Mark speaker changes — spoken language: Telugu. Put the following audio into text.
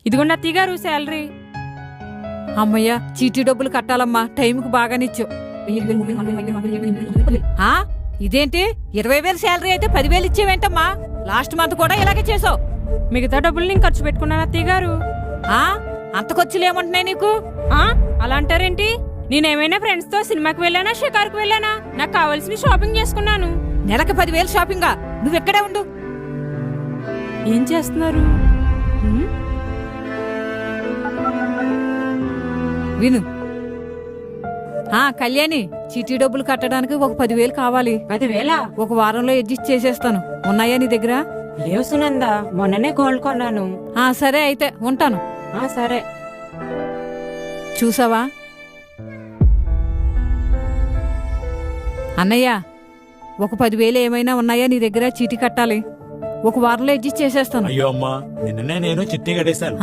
Speaker 1: ఇదిగోండి అత్తయ్య గారు శాలరీ.
Speaker 2: అమ్మయ్యా, చీటీ డబ్బులు కట్టాలమ్మా, టైంకి బాగానిచ్చు. ఆ ఇదేంటి 20,000 శాలరీ అయితే 10,000 ఇచ్చేవేంటమ్మా? లాస్ట్ మంత్ కూడా ఇలాగే చేసావు.
Speaker 1: మిగతా డబ్బులు నేను ఖర్చు పెట్టుకున్నాను అత్తయ్య గారు.
Speaker 2: ఆ అంత ఖర్చులేమంటున్నాయి నీకు?
Speaker 1: అలా అంటారేంటి? నేనేమైనా ఫ్రెండ్స్ తో సినిమాకి వెళ్ళానా, షికార్కి వెళ్ళానా? నాకు కావాల్సిన షాపింగ్ చేసుకున్నాను.
Speaker 2: నెలకి 10,000 షాపింగా? నువ్వెక్కడే ఉండు.
Speaker 1: ఏం చేస్తున్నారు?
Speaker 2: విను. కళ్యాణి, చీటీ డబ్బులు కట్టడానికి ఒక 10,000 కావాలి.
Speaker 3: 10,000?
Speaker 2: ఒక వారంలో అడ్జస్ట్ చేసేస్తాను. ఉన్నాయా నీ దగ్గర?
Speaker 3: లేవు సునందా, మొన్ననే గోల్డ్ కొన్నాను.
Speaker 2: సరే అయితే ఉంటాను.
Speaker 3: సరే.
Speaker 2: చూసావా అన్నయ్య, ఒక 10,000 ఏమైనా ఉన్నాయా నీ దగ్గర? చీటీ కట్టాలి. ఒక వారంలో అడ్జస్ట్ చేసేస్తాను.
Speaker 4: అయ్యో అమ్మా, నిన్ననే నేను చిట్టి కట్టేశాను.